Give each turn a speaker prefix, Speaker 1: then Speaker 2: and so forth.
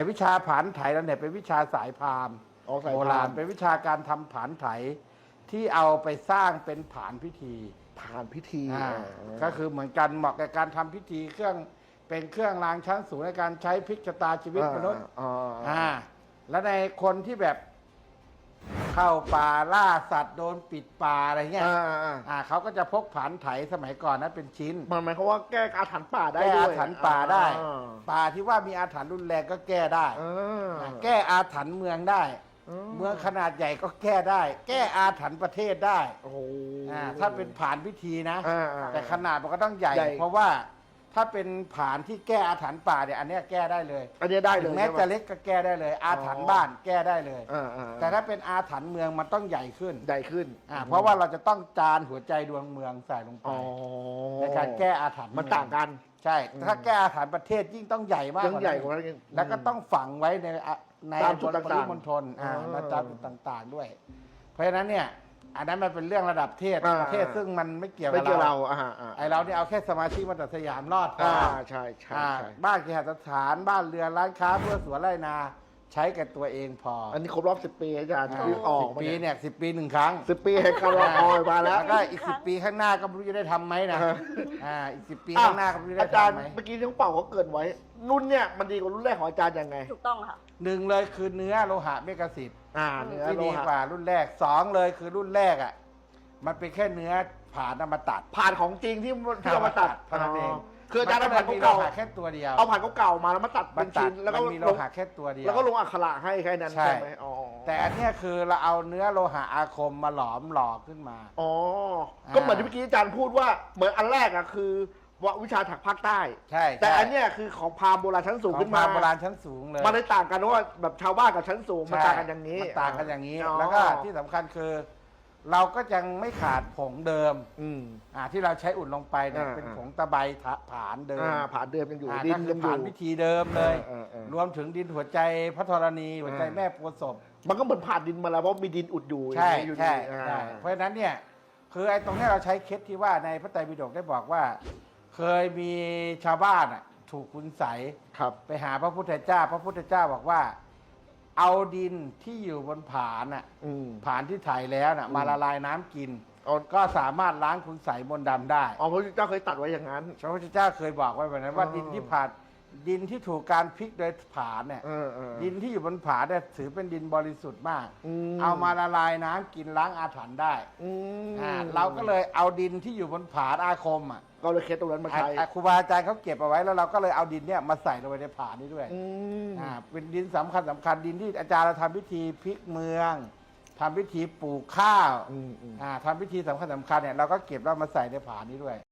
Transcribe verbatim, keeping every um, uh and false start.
Speaker 1: วิชาผานไถแล้วเนี่ยเป็นวิชาสายพราหมณ์โบราณเป็นวิชาการทำผานไถที่เอาไปสร้างเป็นผานพิธี
Speaker 2: ผานพิธี
Speaker 1: ก็คือเหมือนกันเหมาะกับการทำพิธีเครื่องเป็นเครื่องรางชั้นสูงในการใช้พลิกชะตาชีวิตมนุษย์อ่าแล้วในคนที่แบบเข้าป่าล่าสัตว์โดนปิดป่าอะไรเงี้ยอ่าเขาก็จะพกผานไถสมัยก่อนนะเป็นชิ้น
Speaker 2: มันหมายความว่าแก้อาถรรพ์ป่าได้
Speaker 1: แก้
Speaker 2: ด้วย
Speaker 1: อาถรรพ์ป่าได้ป่าที่ว่ามีอาถรรพ์รุนแรงก็แก้ได้แก้อาถรรพ์เมืองได้เมืองขนาดใหญ่ก็แก้ได้ แก้อาถรรพ์ประเทศได้
Speaker 2: โอ้
Speaker 1: ถ้าเป็นผานพิธีนะแต่ขนาดมันก็ต้องใหญ่เพราะว่าถ้าเป็นผานที่แก้อาถรรพ์ป่าเนี่ยอันนี้แก้ได้เลย
Speaker 2: อันนี้ได้เลย
Speaker 1: แม้จะเล็กก็แก้ได้เลย อาถรรพ์บ้านแก้ได้เลยแต่ถ้าเป็นอาถรรพ์เมืองมันต้องใหญ่ขึ้น
Speaker 2: ใหญ่ขึ้น
Speaker 1: เพราะว่าเราจะต้องจานหัวใจดวงเมืองใส่ลงไปในการแก้อาถรรพ์
Speaker 2: มันต่างกัน
Speaker 1: ใช่ถ้าแก้อาถรรพ์ประเทศยิ่งต้องใหญ่มาก
Speaker 2: ใหญ่กว่านั้น
Speaker 1: แล้วก็ต้องฝังไว้ในในบนปริมณฑลในตามจุดต่างๆด้วยเพราะฉะนั้นเนี่ยอันนั้นมันเป็นเรื่องระดับเทศประเทศซึ่งมันไม่เกี่ยวกับเราไอเราเนี่ยเอาแค่สมาชิกมาตัดสยามรอดพอ
Speaker 2: ใช่ใช่
Speaker 1: บ้านเคหสถานบ้านเรือนร้านค้าเพื่อสวนไร่นาใช้กับตัวเองพอ
Speaker 2: อันนี้ครบรอบสิบปีอาจารย์ที่ออก
Speaker 1: ปีเนี่ยสิบปีหนึ่งครั้ง
Speaker 2: สิบปีให้การรอคอยมาแล้ว
Speaker 1: แล้วก็อีกสิบปีข้างหน้าก็ไม่รู้จะได้ทำไหมนะอ่าอีกสิบปีข้างหน้าก็ไม่รู้ได้ทำไหม
Speaker 2: เมื่อกี้ที่เขาเป่าเขาเกินไว้รุ่นเนี่ยมันดีกว่ารุ่นแรกของอาจารย์ยังไง
Speaker 3: ถูกต้องค่ะ
Speaker 1: หนึ่งเลยคือเนื้อโลหะเมกะสิทธิ์
Speaker 2: อ่าเนื้อ
Speaker 1: ที่ดีกว่ารุ่นแรกสองเลยคือรุ่นแรกอ่ะมันเป็นแค่เนื้อผ่านมาตัด
Speaker 2: ผ่านของจริงที่ที่เอามาตัด
Speaker 1: เท่านั้นเอง
Speaker 2: คืออาจารย์เอาผ่าน
Speaker 1: เก่าแค่ตัวเดียว
Speaker 2: เอาผ่านเก่ามาแล้วมาตัดเป็นชิ้นแล้วก็
Speaker 1: มีโลหะแค่ตัวเดียว
Speaker 2: แล้วก็ลงอักขระให้แค่นั้นใช่ไหมอ๋อ
Speaker 1: แต่อันนี้คือเราเอาเนื้อโลหะอาคมมาหลอมหล่อขึ้นมา
Speaker 2: อ๋อก็เหมือนที่เมื่อกี้อาจารย์พูดว่าเหมือนอันแรกอะคือวิชาถักภาคใต้
Speaker 1: ใช่
Speaker 2: แต่อันนี้คือของพราหมณ์โบราณชั้นสูงขึ้นมา
Speaker 1: โบราณชั้นสูงเลย
Speaker 2: มันได้ต่างกันว่าแบบชาวบ้านกับชั้นสูงมันต่างกันอย่างนี้
Speaker 1: มันต่างกันอย่างนี้แล้วก็ที่สำคัญคือเราก็ยังไม่ขาดผงเดิมอ่าที่เราใช้อุ่นลงไปเนี่ยเป็นผงตะไบผานเดิม
Speaker 2: ผานเดิมยังอยู่
Speaker 1: ดินยังผานพิธีเดิมเลยรวมถึงดินหัวใจพระธรณีหัวใจแม่โพธิ์ศพ
Speaker 2: มันก็เหมือนผ่านดินมาแล้วเพราะมีดินอุดอยู่
Speaker 1: ใช่ใช่เพราะฉะนั้นเนี่ยคือไอ้ตรงนี้เราใช้เคสที่ว่าในพระไตรปิฎกได้บอกว่าเคยมีชาวบ้านอ่ะถูกคุณใสไปหาพระพุทธเจ้าพระพุทธเจ้าบอกว่าเอาดินที่อยู่บนผานอ่ะผานที่ถ่ายแล้วน่ะมาละลายน้ำกินก็สามารถล้างคุณใสมนต์ดำได้
Speaker 2: อ๋อพระพุทธเจ้าเคยตัดไว้อย่างนั้น
Speaker 1: พระพุทธเจ้าเคยบอกไว้แบบนั้นว่าดินที่ผ่านดินที่ถูกการพลิกโดยผานเนี่ยดินที่อยู่บนผานเนี่ยถือเป็นดินบริสุทธิ์มากเอามาละลายน้ำกินล้างอาถรรพ์ได้เราก็เลยเอาดินที่อยู่บนผานอาคมอ่ะ
Speaker 2: ก็เลยเคสตรงนั้นมาใช้
Speaker 1: ครูบาอาจารย์เขาเก็บเอาไว้แล้วเราก็เลยเอาดินเนี่ยมาใส่ลงไปในผานนี้ด้วยอ่าเป็นดินสำคัญสำคัญดินที่อาจารย์เราทำพิธีพลิกเมืองทำพิธีปลูกข้าวอ่าทำพิธีสำคัญสำคัญเนี่ยเราก็เก็บแล้วมาใส่ในผานนี้ด้วย